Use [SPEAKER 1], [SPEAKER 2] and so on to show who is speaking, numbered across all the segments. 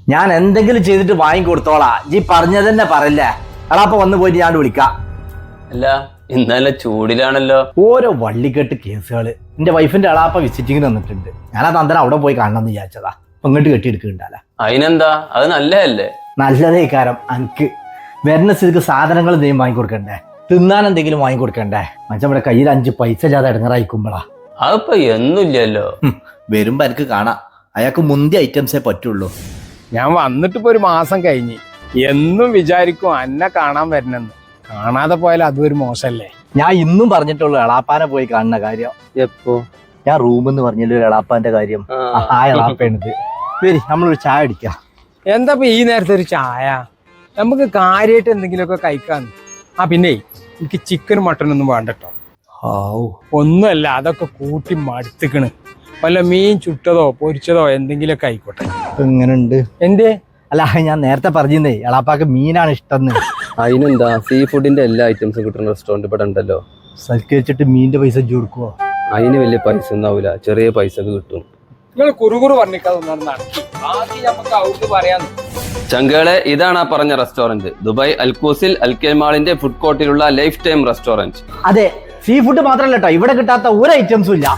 [SPEAKER 1] ഞാൻ എന്തെങ്കിലും ചെയ്തിട്ട് വാങ്ങിക്കൊടുത്തോളാ. ഈ പറഞ്ഞത് തന്നെ പറയില്ലേ. എളാപ്പ വന്നു പോയിട്ട് ഞാൻ വിളിക്കാം.
[SPEAKER 2] അല്ല ഇന്നലെ ചൂടിലാണല്ലോ.
[SPEAKER 1] ഓരോ വള്ളിക്കെട്ട് കേസുകള്. എന്റെ വൈഫിന്റെ എളാപ്പ വിസിറ്റിങ്ങിന് വന്നിട്ടുണ്ട്. ഞാനത് അന്തരം അവിടെ പോയി കാണണമെന്ന് വിചാരിച്ചതാ. ഇങ്ങോട്ട് കെട്ടിയെടുക്കുന്നുണ്ടല്ല.
[SPEAKER 2] അതിനെന്താ, അത് നല്ലതല്ലേ?
[SPEAKER 1] നല്ലതേ കാരം. എനിക്ക് വരുന്ന സ്ഥിതിക്ക് സാധനങ്ങൾ എന്തെങ്കിലും വാങ്ങിക്കൊടുക്കണ്ടേ, തിന്നാൻ എന്തെങ്കിലും വാങ്ങിക്കൊടുക്കണ്ടേ. മനുഷ്യൻ കയ്യിൽ 5 പൈസ ഇല്ലാതെ ഇടങ്ങറായിക്കുമ്പോളാ.
[SPEAKER 2] അതിപ്പോ എന്നുമില്ലല്ലോ.
[SPEAKER 1] വരുമ്പോ എനിക്ക് കാണാം. അയാൾക്ക് മുന്തിയ ഐറ്റംസേ പറ്റുള്ളൂ.
[SPEAKER 3] ഞാൻ വന്നിട്ടിപ്പോ ഒരു മാസം കഴിഞ്ഞ്. എന്നും വിചാരിക്കും എന്നെ കാണാൻ വരണെന്ന്. കാണാതെ പോയാൽ അതും ഒരു മോശല്ലേ.
[SPEAKER 1] ഞാൻ ഇന്നും പറഞ്ഞിട്ടുള്ളൂ എളാപ്പാനെ പോയി കാണുന്ന കാര്യം.
[SPEAKER 2] എപ്പോ?
[SPEAKER 1] ഞാൻ റൂമെന്ന് പറഞ്ഞല്ലോ എളാപ്പാന്റെ കാര്യം. ആ എളാപ്പേണത്. വരി, നമ്മളൊരു ചായ അടിക്കാം.
[SPEAKER 3] എന്താ ഈ നേരത്തെ ഒരു ചായ? നമുക്ക് കാര്യമായിട്ട് എന്തെങ്കിലുമൊക്കെ കഴിക്കാന്ന്. പിന്നെ എനിക്ക് ചിക്കനും മട്ടനൊന്നും വേണ്ടട്ടോ. ഒന്നുമല്ല, അതൊക്കെ കൂട്ടി മടുത്തിക്കണ്. വല്ല മീൻ ചുട്ടതോ പൊരിച്ചതോ എന്തെങ്കിലുമൊക്കെ ആയിക്കോട്ടെ.
[SPEAKER 1] എങ്ങനുണ്ട്?
[SPEAKER 3] എന്തേ?
[SPEAKER 1] അല്ല, ഞാൻ നേരത്തെ പറഞ്ഞേ എളാപ്പാക്ക് മീനാണ് ഇഷ്ടം.
[SPEAKER 2] അതിനെന്താ, സീ ഫുഡിന്റെ എല്ലാ ഐറ്റംസും കിട്ടുന്ന റെസ്റ്റോറന്റ് ഇവിടെ ഉണ്ടല്ലോ.
[SPEAKER 1] സൽക്കരിച്ചിട്ട് മീനിന്റെ പൈസ കൊടുക്കുവോ?
[SPEAKER 2] അതിന് വലിയ പൈസ ഒന്നാവൂല, ചെറിയ പൈസക്ക് കിട്ടും.
[SPEAKER 3] നിങ്ങൾ കുറുകുറു പറഞ്ഞിക്കാതൊന്നാണ് നടക്കി. ബാക്കി നമുക്ക് ഔട്ട് പറയാന്ന്.
[SPEAKER 2] ചങ്കളെ, ഇതാണ് ആ പറഞ്ഞ റെസ്റ്റോറന്റ്. ദുബായ് അൽക്കൂസിൽ അൽക്കൽ മാളിന്റെ ഫുഡ് കോർട്ടിലുള്ള ലൈഫ് ടൈം റെസ്റ്റോറന്റ്.
[SPEAKER 1] അതെ, സീ ഫുഡ് മാത്രമല്ല കേട്ടോ, ഇവിടെ കിട്ടാത്ത ഒരു ഐറ്റംസും ഇല്ല.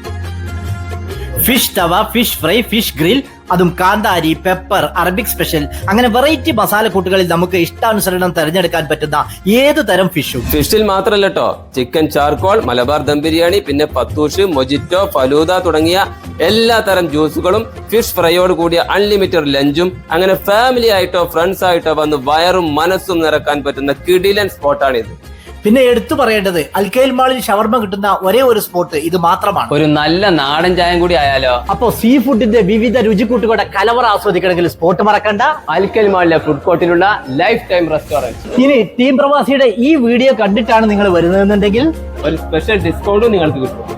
[SPEAKER 1] Fish tawa, fish fry, fish grill, അതും കാന്താരി, പെപ്പർ, അറബിക് സ്പെഷ്യൽ, അങ്ങനെ വെറൈറ്റി മസാലക്കൂട്ടുകളിൽ നമുക്ക് ഇഷ്ടാനുസരണം തെരഞ്ഞെടുക്കാൻ പറ്റുന്ന ഏത് തരം ഫിഷും.
[SPEAKER 2] ഫിഷിൽ മാത്രമല്ല കേട്ടോ, ചിക്കൻ ചാർക്കോൾ, മലബാർ ദം ബിരിയാണി, പിന്നെ പത്തൂഷ്, മൊജിറ്റോ, ഫലൂദ തുടങ്ങിയ എല്ലാ തരം ജ്യൂസുകളും, ഫിഷ് ഫ്രൈയോട് കൂടിയ അൺലിമിറ്റഡ് ലഞ്ചും, അങ്ങനെ ഫാമിലി ആയിട്ടോ ഫ്രണ്ട്സ് ആയിട്ടോ വന്ന് വയറും മനസ്സും നിറക്കാൻ പറ്റുന്ന കിടിലൻ സ്പോട്ടാണിത്.
[SPEAKER 1] പിന്നെ എടുത്തു പറയേണ്ടത്, അൽക്കൈൽ മാളിൽ ഷവർമ കിട്ടുന്ന ഒരേ ഒരു സ്പോട്ട് ഇത് മാത്രമാണ്.
[SPEAKER 2] ഒരു നല്ല നാടൻ ചായം കൂടി ആയാലോ.
[SPEAKER 1] അപ്പോ സീ ഫുഡിന്റെ വിവിധ രുചിക്കൂട്ടുകളുടെ കലവറ ആസ്വദിക്കണമെങ്കിൽ സ്പോട്ട് മറക്കണ്ട,
[SPEAKER 2] അൽക്കൽ മാളിലെ ഫുഡ് കോർട്ടിലുള്ള ലൈഫ് ടൈം റെസ്റ്റോറന്റ്.
[SPEAKER 1] ഇനി ടീം പ്രവാസിയുടെ ഈ വീഡിയോ കണ്ടിട്ടാണ് നിങ്ങൾ വരുന്നതെന്നുണ്ടെങ്കിൽ
[SPEAKER 2] ഒരു സ്പെഷ്യൽ ഡിസ്കൗണ്ടും നിങ്ങൾക്ക് കിട്ടും.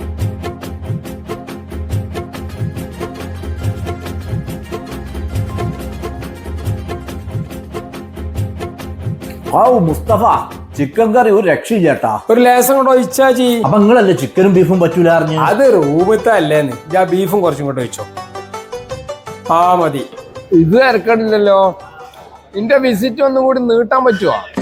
[SPEAKER 1] മുസ്തഫ, ചിക്കൻ കറി ഒരു രക്ഷയില്ലേട്ടാ.
[SPEAKER 3] ഒരു ലേസം കൊണ്ട് ഒഴിച്ചാജി.
[SPEAKER 1] അപ്പൊ നിങ്ങളല്ലേ ചിക്കനും ബീഫും പറ്റൂല അറിഞ്ഞു?
[SPEAKER 3] അത് റൂമത്തെ അല്ലേന്ന്. ഞാൻ ബീഫും കുറച്ചും കൊണ്ട് വെച്ചോ. മതി. ഇത് ഇറക്കണില്ലല്ലോ. നിന്റെ വിസിറ്റ് ഒന്നും കൂടി നീട്ടാൻ പറ്റുമോ?